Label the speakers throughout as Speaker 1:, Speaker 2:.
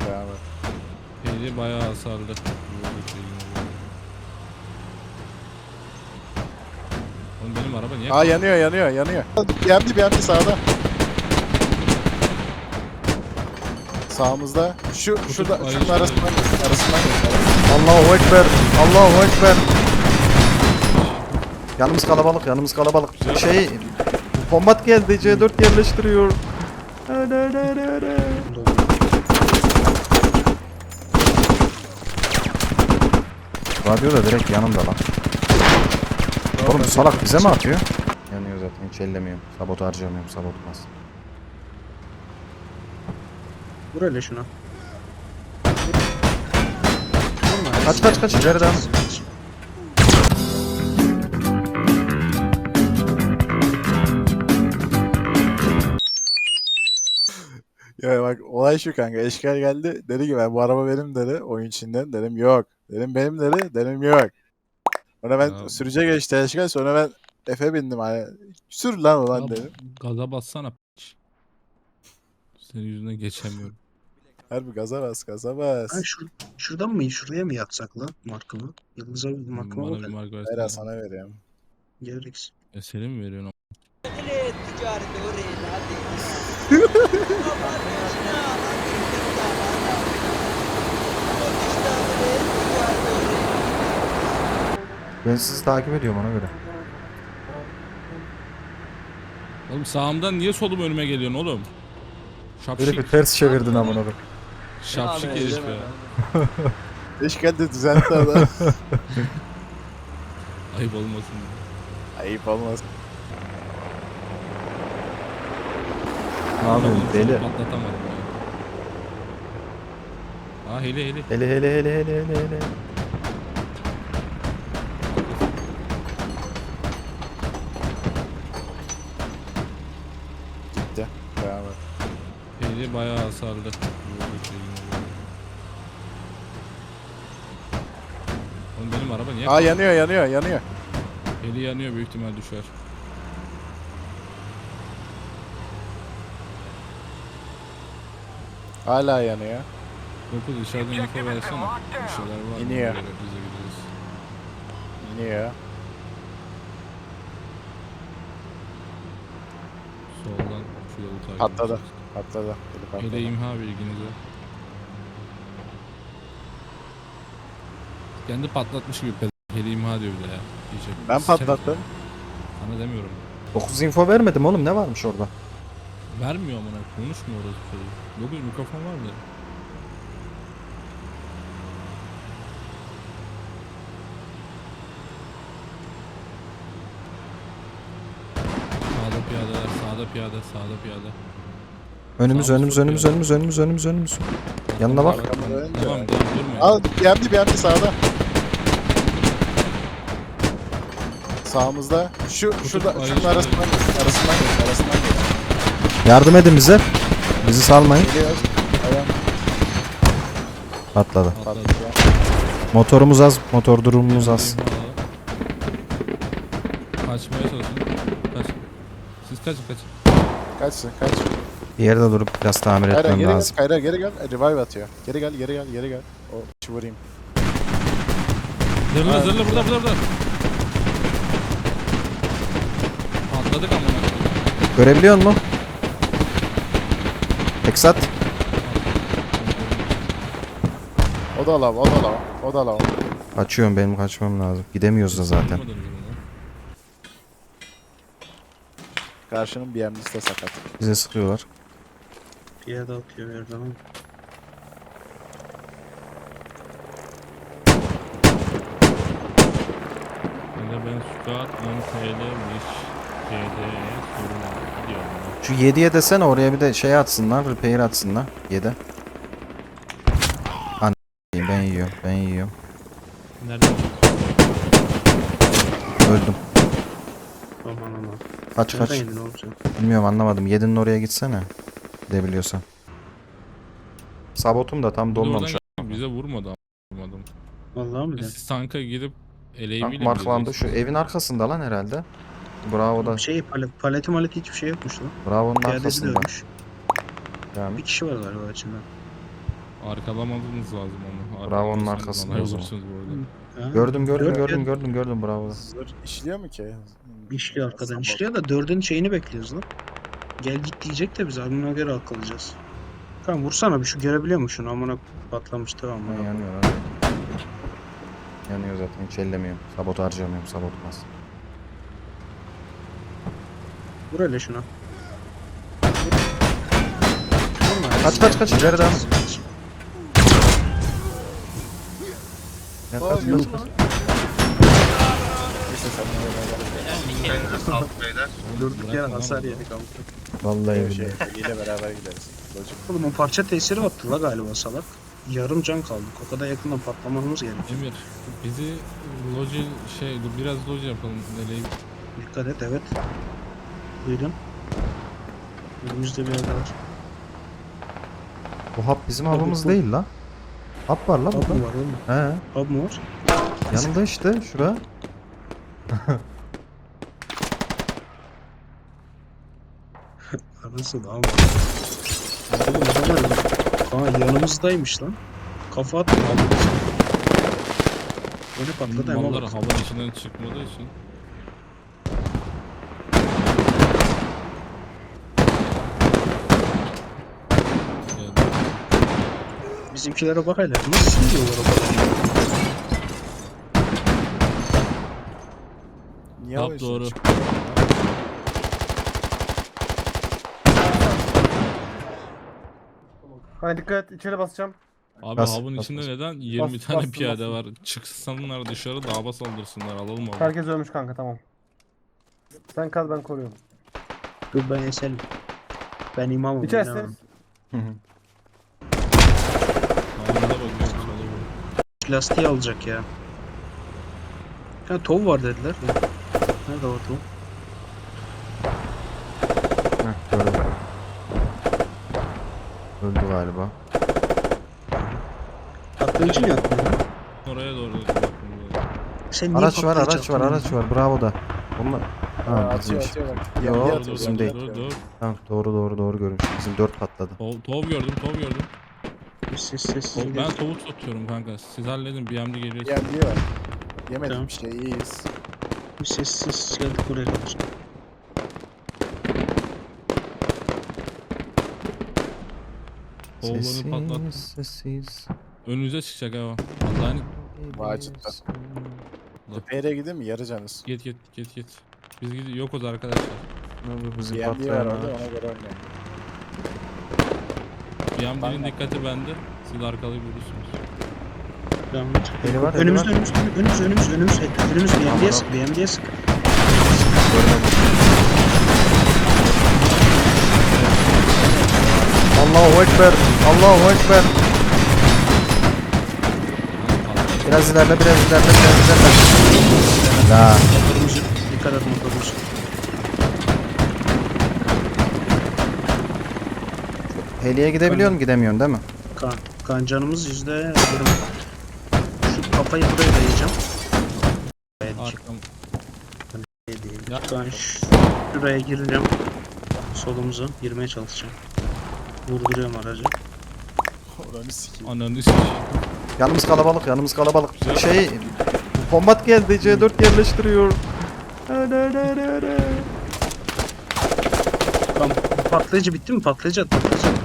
Speaker 1: Devam et.
Speaker 2: Heli bayağı hasarlı. Oğlum benim araba niye?
Speaker 1: Aa yanıyor. Bir yandi sağda. Sağımızda. Şurada
Speaker 2: Ay,
Speaker 1: şunun
Speaker 2: işte.
Speaker 1: arasından geç.
Speaker 3: Allahu Ekber. Allahu Ekber. Yanımız kalabalık. Kombat geldi. C4 yerleştiriyor. Radyo da direkt yanımda lan. Oğlum bu salak bize mi atıyor? Yanıyor zaten, hiç ellemiyorum. Sabot harcamıyorum, sabotmaz.
Speaker 4: Vur öyle şuna.
Speaker 3: Kaç ileri devam.
Speaker 1: Ya bak olay şu kanka. Eşkal geldi. Dedi ki ben bu araba benim dedi. Oyun içinden dedim yok. Dedim benim dedi. Dedim yok. Sonra ben
Speaker 2: Ya.
Speaker 1: sürüce geçti Eşkal. Sonra ben Efe bindim hani. Sür lan ulan
Speaker 2: Ya,
Speaker 1: dedim.
Speaker 2: gaza bassana. Senin yüzünden geçemiyorum.
Speaker 1: Harbi gaza bas.
Speaker 4: Ha, şuradan mı? Şuraya mı yatsak lan markamı? Yıldız'a bir markama
Speaker 2: Bana bir
Speaker 4: bakalım.
Speaker 2: marka
Speaker 1: Hayır
Speaker 2: versene.
Speaker 1: sana veriyorum.
Speaker 4: Gereksiz.
Speaker 2: Senin mi veriyorsun?
Speaker 3: Ben sizi takip ediyorum ona göre.
Speaker 2: Oğlum sağımdan niye solum önüme geliyorsun oğlum?
Speaker 3: Böyle bir
Speaker 2: Şapşik.
Speaker 3: ters çevirdin amına koyayım.
Speaker 2: Şapşik herif ya.
Speaker 1: Eşkal de düzeltti adam.
Speaker 2: Ayıp olmasın.
Speaker 1: Ayıp olmaz.
Speaker 3: Ne yapıyorsun deli?
Speaker 2: Patlatamadım ya. Aa heli.
Speaker 3: Hele.
Speaker 1: Gitti. Devam et.
Speaker 2: Heli bayağı hasarlı. Oğlum benim araba niye?
Speaker 1: Aa yanıyor.
Speaker 2: Heli yanıyor, büyük ihtimal düşer.
Speaker 1: Hala yanıyor.
Speaker 2: 9 dışarıdan info versene. Bir şeyler var mı?
Speaker 1: İniyor.
Speaker 2: Böyle bize gidiyoruz.
Speaker 1: İniyor.
Speaker 2: Soldan şu yolu takip
Speaker 1: Patladı.
Speaker 2: edeceğiz.
Speaker 1: Patladı.
Speaker 2: Heli imha bilginize. Kendi patlatmış gibi heli imha diyor bir de ya. Diyecek.
Speaker 1: Ben
Speaker 2: Sikerim
Speaker 1: patlattım.
Speaker 2: ya. Sana demiyorum.
Speaker 3: 9 info vermedim oğlum, ne varmış orada?
Speaker 2: Vermiyor amına, konuşmuyor orası çocuk. 9 mikrofon var mı? Sağda piyade.
Speaker 3: Önümüz. Yanına bak.
Speaker 2: Tamam durmayın.
Speaker 1: Al bir yandi sağda. Sağımızda. Şunun
Speaker 2: Ay,
Speaker 1: arasından
Speaker 2: işte.
Speaker 1: geç.
Speaker 3: Yardım edin bize. Bizi salmayın.
Speaker 1: Geliyor. Ayağım
Speaker 3: Patladı.
Speaker 1: patladı.
Speaker 3: Motorumuz az, motor durumumuz az.
Speaker 2: Kaçmaya çalışın. Kaç. Siz kaçın.
Speaker 1: Kaç.
Speaker 3: Bir yerde durup biraz tamir
Speaker 1: Kayra
Speaker 3: etmem
Speaker 1: geri gel.
Speaker 3: lazım.
Speaker 1: Kayra geri gel. Revive atıyor. Geri gel. O vurayım.
Speaker 2: Zırla burada. Patladık amına.
Speaker 3: Görebiliyor musun? Eksat.
Speaker 1: O da lav.
Speaker 3: Açıyorum, benim kaçmam lazım. Gidemiyoruz da zaten.
Speaker 1: Karşının BM'lisi de sakat.
Speaker 3: Bize sıkıyorlar.
Speaker 4: Piyade atıyor her zaman.
Speaker 2: Ben Squad 10 TL'miş. TL'ye sorun diyorum.
Speaker 3: Şu 7'ye desene, oraya bir de şey atsınlar, repair atsınlar. 7. Ben yiyorum.
Speaker 2: Nerede?
Speaker 3: Öldüm.
Speaker 4: Aman.
Speaker 3: Kaç.
Speaker 4: Nereden yedin oğlum sen?
Speaker 3: Bilmiyorum, anlamadım. 7'nin oraya gitsene. Gidebiliyorsan. Sabotum da tam dolmamış.
Speaker 2: Bize vurmadı. Vurmadım.
Speaker 4: Vallahi mi de?
Speaker 2: Siz tanka gidip
Speaker 3: Tank
Speaker 2: eleğiyle
Speaker 3: marklandı. Şu evin arkasında lan herhalde. Bravo'da.
Speaker 4: Paleti hiçbir şey yokmuş lan.
Speaker 3: Bravo'nun
Speaker 4: Piyadesi de
Speaker 3: arkasında.
Speaker 4: ölmüş.
Speaker 3: Yani
Speaker 4: Bir kişi var galiba içinde.
Speaker 2: Arkalamanız lazım onu.
Speaker 3: Bravo, onun
Speaker 2: Arkalarsanız
Speaker 3: arkasında
Speaker 2: olay
Speaker 3: o zaman.
Speaker 2: olursunuz bu arada.
Speaker 4: Ha?
Speaker 3: Gördüm bravo.
Speaker 1: Zırh işliyor mu ki?
Speaker 4: İşliyor arkadan.
Speaker 1: Sabah.
Speaker 4: İşliyor da 4'ün şeyini bekliyoruz lan. Gel git diyecek de biz amına göre akıllayacağız. Tamam vursana bir şu görebiliyor musun şunu amına patlamış tamam
Speaker 3: Ha,
Speaker 4: mı?
Speaker 3: yanıyor abi. Yanıyor zaten, hiç ellemiyorum. Sabot harcamıyorum, sabotmaz.
Speaker 4: Vur hele şuna.
Speaker 3: Kaç, ileri devam. Ya, kaç.
Speaker 1: Neyse sen
Speaker 5: Elinize sağlık beyler.
Speaker 4: Durduk yere hasar yedik ama.
Speaker 3: Vallahi
Speaker 1: bir şey.
Speaker 3: billahi.
Speaker 1: Ile beraber gideriz. Locuk.
Speaker 4: Oğlum o parça tesiri attı la galiba salak. Yarım can kaldık. O kadar yakından patlamamız gerekiyor.
Speaker 2: Emir bizi loji dur biraz loji yapalım. Nereye
Speaker 4: Dikkat et evet. Duydun. Önümüzde bir yer var.
Speaker 3: Bu hap bizim
Speaker 4: Hap
Speaker 3: hapımız
Speaker 4: bu.
Speaker 3: değil la. Hap var la
Speaker 4: Hub
Speaker 3: burada.
Speaker 4: mu var oğlum?
Speaker 3: He.
Speaker 4: Hub mu var?
Speaker 3: Yanında işte şura.
Speaker 4: Arası da ama. Oğlum adamlar yanımızdaymış lan. Kafa attı abi. Böyle patladı ama
Speaker 2: mallar
Speaker 4: bak.
Speaker 2: havanın içinden çıkmadığı için. Yani
Speaker 4: Bizimkilere bak hele. Nasıl sürüyorlar o kadar?
Speaker 1: Niye
Speaker 2: Hap
Speaker 1: alıyorsun?
Speaker 2: doğru.
Speaker 6: Hani dikkat et içeri basacağım.
Speaker 2: Abi
Speaker 3: Bas,
Speaker 2: havun
Speaker 3: bas,
Speaker 2: içinde
Speaker 3: bas.
Speaker 2: neden 20
Speaker 6: Bas,
Speaker 2: tane
Speaker 6: bastım,
Speaker 2: piyade
Speaker 6: bastım.
Speaker 2: var? Çıksınlar dışarı dağba saldırsınlar alalım abi.
Speaker 6: Herkes ölmüş kanka tamam. Sen kal ben koruyorum.
Speaker 4: Dur ben eselim. Ben imamım.
Speaker 6: İçerisiniz.
Speaker 4: bilemem.
Speaker 2: Havunda bakıyoruz sola doğru.
Speaker 4: Plastiği alacak ya. Ha tov var dediler. Nerede o tov?
Speaker 3: Heh, gördüm. Öldü galiba.
Speaker 4: Patlayıcı mı yaptın?
Speaker 2: Oraya doğru bakın.
Speaker 4: Sen niye
Speaker 3: Araç var,
Speaker 4: patlayıcı
Speaker 3: araç
Speaker 4: attın?
Speaker 3: var. Bravo da. Onlar... Ha,
Speaker 1: Atıyor
Speaker 3: bizimmiş.
Speaker 1: atıyor bak.
Speaker 3: Yo,
Speaker 1: Yanıyor,
Speaker 2: Dur
Speaker 3: bizim
Speaker 2: dur
Speaker 3: değil.
Speaker 2: dur dur.
Speaker 3: Tamam, doğru görmüş. Bizim 4 patladı.
Speaker 2: Tov gördüm tov gördüm.
Speaker 4: Sessiz.
Speaker 2: Ben tovu tutuyorum kanka. Siz halledin BMD geliyor.
Speaker 1: Yanıyor. Yemedik
Speaker 4: Tamam.
Speaker 1: bir şey iyiyiz.
Speaker 4: Sessiz geldik buraya kadar.
Speaker 2: Tovlarını patlat.
Speaker 3: Sessiz.
Speaker 2: Önünüze çıkacak ha. Allah'ın
Speaker 1: Vacipta. Tepeye gideyim mi? Yarı canız.
Speaker 2: git. Biz yokuz arkadaşlar.
Speaker 3: Abi bizi
Speaker 1: BMD var
Speaker 3: patlayan
Speaker 1: orada
Speaker 3: araç.
Speaker 1: ona göre oynayın.
Speaker 2: BMD'nin
Speaker 1: Tamam.
Speaker 2: dikkati bende. Siz arkalayı görürsünüz.
Speaker 4: Devam et.
Speaker 3: Eli var, eli
Speaker 4: Önümüzde
Speaker 3: var.
Speaker 4: önümüz BMD'ye sık BMD'ye sık.
Speaker 3: Allahu Ekber. Allahu Ekber. Biraz ilerle. La.
Speaker 4: Motorumuzu dikkat et motorumuzu.
Speaker 3: Heliye gidebiliyor musun? Gidemiyorsun değil mi?
Speaker 4: Kancanımız %20. Şu kafayı buraya dayayacağım.
Speaker 2: Arkam. Ya.
Speaker 4: Ben şuraya gireceğim. Solumuzu girmeye çalışacağım. Vurduruyorum aracı.
Speaker 1: Oranı sikeyim.
Speaker 2: Ananı sikeyim.
Speaker 3: Yanımız kalabalık. Kombat geldi. C4 yerleştiriyor.
Speaker 4: Tamam. Patlayıcı bitti mi? Patlayıcı at.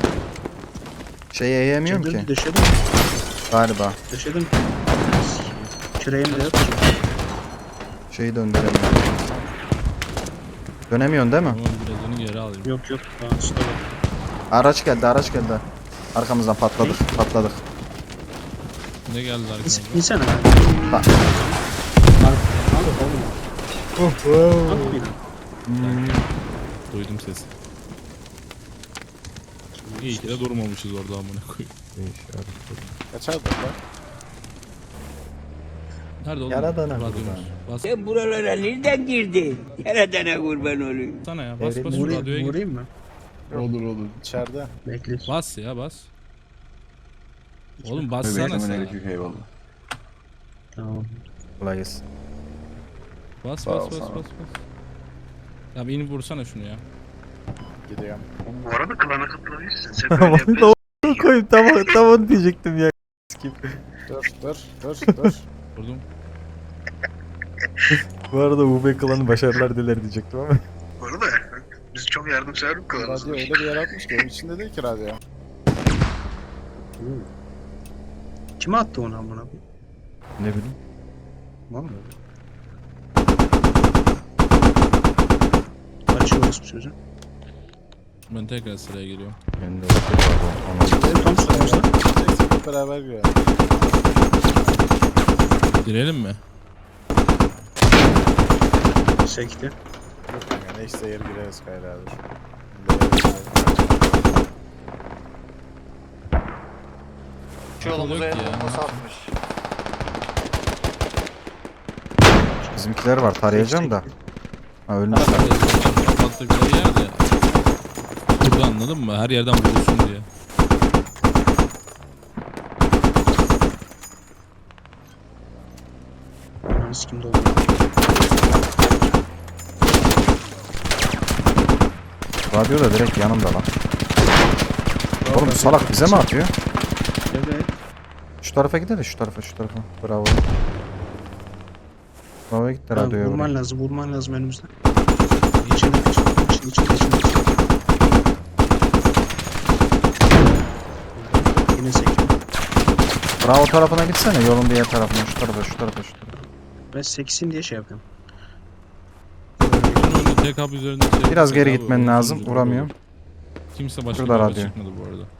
Speaker 3: Şeyi yiyemiyorum ki.
Speaker 4: Döşedim.
Speaker 3: Galiba.
Speaker 4: Döşedim. Küreğim de yok.
Speaker 3: Şeyi döndüremiyorum. Dönemiyorsun değil mi?
Speaker 2: Tamam birazını geri alayım.
Speaker 4: Yok. Daha üstte bak.
Speaker 3: Araç geldi. Arkamızdan patladık.
Speaker 2: Ne geldi arkamda?
Speaker 4: İnsene.
Speaker 3: Bak.
Speaker 2: Duydum sesi. İyi ki de durmamışız orada amına koyayım.
Speaker 1: Kaç aldın lan?
Speaker 2: Nerede oğlum?
Speaker 3: Yaradana
Speaker 2: Radyomuz.
Speaker 3: kurban.
Speaker 2: Bas
Speaker 7: Sen buralara nereden girdin? Yaradana kurban olayım.
Speaker 2: sana ya. Bas şu
Speaker 4: Vurayım,
Speaker 2: radyoya git.
Speaker 4: vurayım mı?
Speaker 1: İçeride.
Speaker 4: Bekle.
Speaker 2: Bas ya bas. Oğlum bassana sen.
Speaker 4: Tamam.
Speaker 3: Kolay gelsin.
Speaker 2: Bas. Ya bir inip vursana şunu ya.
Speaker 1: Gidiyorum.
Speaker 4: Bu arada klana katılabilirsin. Sen böyle yapıyorsun.
Speaker 3: koyayım tam onu diyecektim ya.
Speaker 1: Dur.
Speaker 2: Vurdum.
Speaker 3: Bu arada UB klanı başarılar diler diyecektim ama.
Speaker 4: Bu arada biz çok yardımsever bir klanız.
Speaker 1: Radyo öyle bir yer atmış ki onun içinde değil ki radyo.
Speaker 4: Kime attı onu amına koyayım?
Speaker 3: Ne bileyim.
Speaker 4: Var mı? Açıyoruz bu sözü.
Speaker 2: Ben tekrar sıraya geliyorum.
Speaker 3: Ben de pardon.
Speaker 4: Tam sıramızda.
Speaker 1: Hep beraber giriyor.
Speaker 2: Girelim mi?
Speaker 4: Sekti.
Speaker 1: Yok kanka neyse yer gireriz Kayra abi.
Speaker 5: Şu
Speaker 2: Yok
Speaker 5: yolumuza
Speaker 2: ya.
Speaker 5: nasıl atmış?
Speaker 3: Bizimkiler var tarayacağım da. Ha ölmüş.
Speaker 2: Kapattıkları yerde. Burada anladın mı? Her yerden vurulsun diye.
Speaker 4: Ananı kim doldu?
Speaker 3: Radyo da direkt yanımda lan. Oğlum bu salak bize mi atıyor?
Speaker 4: Evet.
Speaker 3: Şu tarafa gidelim şu tarafa. Bravo. Bravo'ya gitti
Speaker 4: Tamam,
Speaker 3: radyoya.
Speaker 4: vurman
Speaker 3: vuruyor.
Speaker 4: lazım önümüzde. İçinde. Yine sekiyor.
Speaker 3: Bravo tarafına gitsene yolun diğer tarafına. Şu tarafa.
Speaker 4: Ben seksin diye şey yapıyorum.
Speaker 2: Bunun önünde tek hap üzerinde şey.
Speaker 3: Biraz geri
Speaker 2: Tek hap
Speaker 3: gitmen
Speaker 2: olur,
Speaker 3: lazım.
Speaker 2: sonucu
Speaker 3: Vuramıyorum.
Speaker 2: olur. Kimse başka
Speaker 3: Şurada
Speaker 2: bir araba
Speaker 3: radyo.
Speaker 2: çıkmadı bu arada.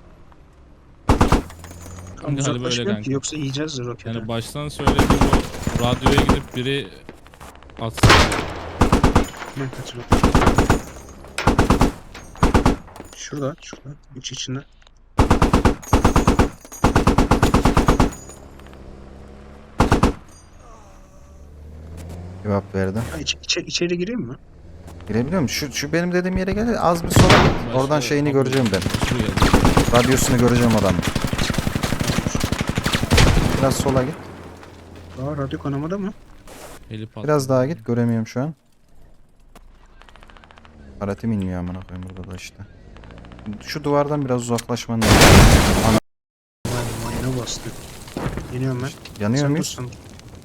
Speaker 4: Tam
Speaker 2: Hadi böyle
Speaker 4: uzaklaşmıyorum
Speaker 2: kanka.
Speaker 4: ki yoksa yiyeceğiz roketi.
Speaker 2: Yani baştan söylediğim o radyoya gidip biri atsın.
Speaker 4: Ben kaçırdım. Şurada. İç içinde.
Speaker 3: Cevap verdi.
Speaker 4: Ha, içeri gireyim mi?
Speaker 3: Girebiliyor musun? Şu benim dediğim yere gel. Az bir sola git. Oradan
Speaker 2: Başka
Speaker 3: şeyini
Speaker 2: kapı-
Speaker 3: göreceğim ben.
Speaker 2: Şuraya.
Speaker 3: Radyosunu göreceğim adamın. Biraz sola git.
Speaker 4: Aa radyo kanamada mı?
Speaker 2: Eli patladı.
Speaker 3: Biraz daha git. Göremiyorum şu an. Aratim inmiyor amına koyayım burada da işte. Şu duvardan biraz uzaklaşman lazım.
Speaker 4: Vay mayına bastı. Yeniyorum ben.
Speaker 3: Yanıyor
Speaker 4: Sen
Speaker 3: muyuz?
Speaker 4: dur, sen.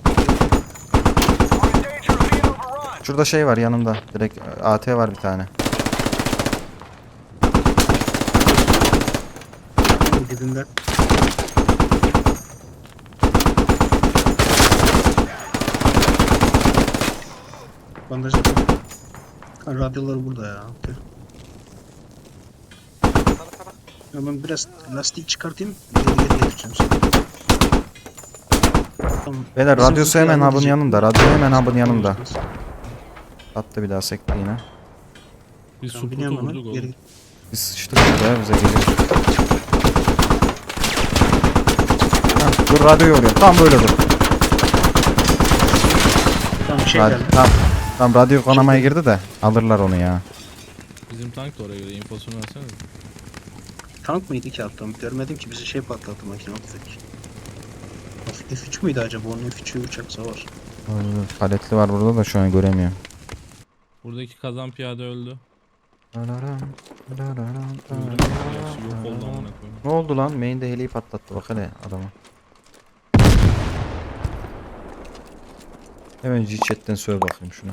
Speaker 3: Şurada şey var yanımda. Direkt AT var bir tane.
Speaker 4: Dibinde. Bandaj yapalım. Ha, radyoları burada ya. Okey. Ya ben biraz lastik çıkartayım. Geri getireceğim seni. Tamam.
Speaker 3: Beyler
Speaker 4: Bizim
Speaker 3: radyosu
Speaker 4: Zülfü
Speaker 3: hemen
Speaker 4: yardım
Speaker 3: hub'ın
Speaker 4: edecek.
Speaker 3: yanında. Radyo hemen hub'ın yanında. Attı bir daha sekti yine.
Speaker 2: Biz
Speaker 4: Tamam,
Speaker 2: suputu
Speaker 4: biniyorum hemen.
Speaker 2: vurduk
Speaker 4: Geri
Speaker 2: oğlum.
Speaker 3: Biz sıçtık burada ya bize geliyor. Hah, dur radyoyu vuruyor. Tam böyle dur.
Speaker 4: Tamam şey
Speaker 3: Radyo,
Speaker 4: geldi.
Speaker 3: tam radyo kanamaya girdi de alırlar onu ya.
Speaker 2: Bizim tank da oraya göre infosunu versene.
Speaker 4: Tank mıydı ki alttan? Görmedim ki bizi şey patlattı makine tüfek. F3 müydü acaba? Onun F3'ü uçak savar.
Speaker 3: Paletli var burada da şu an göremiyorum.
Speaker 2: Buradaki kazan piyade öldü. Öldü mü? Gerçi yok oldu amına koyayım.
Speaker 3: Ne oldu lan? Main'de heliyi patlattı bak hele adamı. Hemen G-Chat'ten söyle bakayım şuna.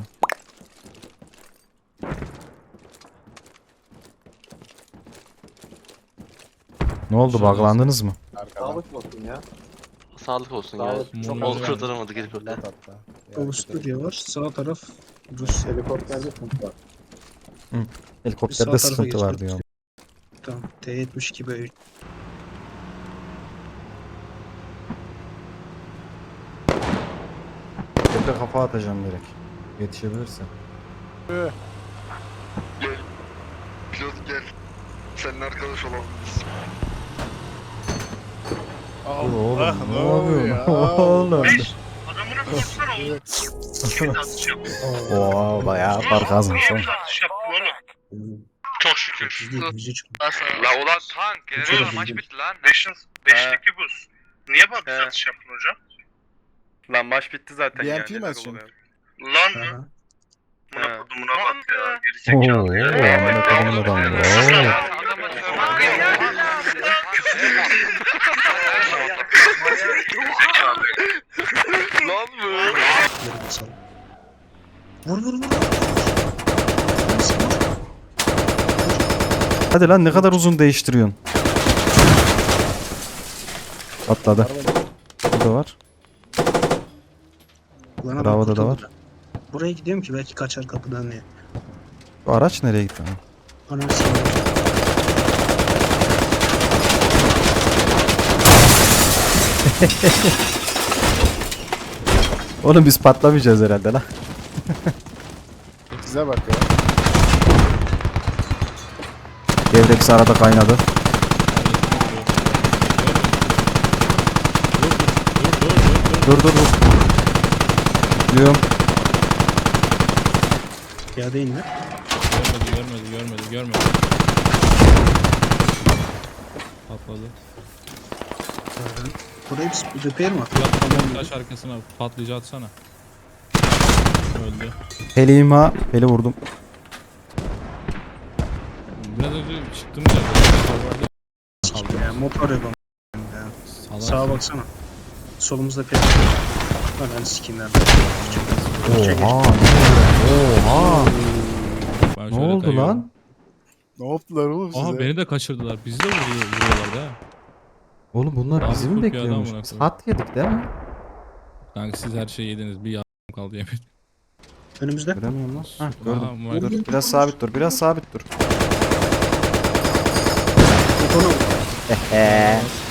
Speaker 3: Ne oldu? Buglandınız mı?
Speaker 1: Arkadan.
Speaker 5: Sağlık olsun
Speaker 1: Sağ
Speaker 5: ya.
Speaker 1: ol.
Speaker 2: Çok
Speaker 5: Ol
Speaker 2: oldu.
Speaker 5: kurtaramadı gelip öyle.
Speaker 1: Lat hatta.
Speaker 4: Avusturya var. Sağ taraf Rus.
Speaker 1: Helikopterde sıkıntı var.
Speaker 3: Helikopterde
Speaker 4: Sağ tarafa
Speaker 3: sıkıntı var
Speaker 4: geçelim.
Speaker 3: diyor.
Speaker 4: Tamam. T-72 böyle.
Speaker 3: Tepe kafa atacağım direkt. Yetişebilirsin.
Speaker 5: Pilot gel. Seninle arkadaş olalım biz.
Speaker 3: Oğlum ne
Speaker 1: oluyor
Speaker 3: oluyor?
Speaker 1: ya?
Speaker 3: Oğlum.
Speaker 5: Adamına sorsana oğlum. Kim satış yapıyor?
Speaker 3: Oo bayağı fark azmış oğlum.
Speaker 5: Satış yaptın oğlum? Çok şükür.
Speaker 4: Biz değil. Bizi çıkıyor.
Speaker 5: La ulan tank.
Speaker 4: Şöyle
Speaker 5: Maç
Speaker 4: bildim.
Speaker 5: bitti lan.
Speaker 8: 5'teki buz. Niye bak
Speaker 5: He.
Speaker 8: satış yaptın hocam?
Speaker 5: Lan maç bitti zaten
Speaker 1: BMP
Speaker 5: yani.
Speaker 1: mi açıyorsun?
Speaker 8: Lan mı?
Speaker 4: Aha.
Speaker 8: Buna
Speaker 5: He.
Speaker 8: kodumuna bak ya.
Speaker 3: Oo,
Speaker 8: Gerizekalı ya.
Speaker 3: amına kodumun adamı. Oo.
Speaker 8: Küfür
Speaker 5: Lan bu.
Speaker 4: Geri basalım. Vur vur vur. Neyse, vur.
Speaker 3: Hadi lan ne kadar uzun değiştiriyorsun. Atladı. Burada var.
Speaker 4: Lan adam
Speaker 3: Bravo'da da
Speaker 4: kurtuldu.
Speaker 3: var.
Speaker 4: Buraya gidiyorum ki belki kaçar kapıdan diye.
Speaker 3: Bu araç nereye gitti?
Speaker 4: Ananı sikeyim.
Speaker 3: Oğlum biz patlamayacağız herhalde lan.
Speaker 1: Size bak ya.
Speaker 3: Devre bir arada kaynadı. Dur dur dur. Diyorum.
Speaker 4: Ya değil mi?
Speaker 2: Görmedi. Patladı.
Speaker 4: Burayı bir repair mi at?
Speaker 2: Tamam, taş arkasına patlayıcı atsana. Öldü.
Speaker 3: Helima. Heli vurdum.
Speaker 2: Biraz önce çıktım ya.
Speaker 4: Sikeyim ya motor yapalım.
Speaker 2: Salak.
Speaker 4: Sağa baksana. Solumuzda piyasa. Lan ben sikeyim nerede?
Speaker 3: Oha. Oha.
Speaker 2: Ben
Speaker 3: Ne
Speaker 2: şöyle
Speaker 3: oldu
Speaker 2: kayıyorum.
Speaker 3: lan?
Speaker 1: Ne yaptılar oğlum size?
Speaker 2: Aha beni de kaçırdılar. Bizi de vuruyorlardı ha.
Speaker 3: Oğlum bunlar
Speaker 2: Abi
Speaker 3: bizi mi
Speaker 2: çok iyi adam
Speaker 3: bekliyormuş?
Speaker 2: bırakıyor.
Speaker 3: Saat yedik değil mi?
Speaker 2: Kanka siz her şeyi yediniz. Bir yardım kaldı yemin.
Speaker 4: Önümüzde.
Speaker 3: Göremiyorum lan. Hah
Speaker 2: Aha,
Speaker 3: gördüm.
Speaker 2: vay.
Speaker 3: Dur biraz sabit dur. Biraz sabit dur.
Speaker 4: Motoruna vur.
Speaker 3: Eee.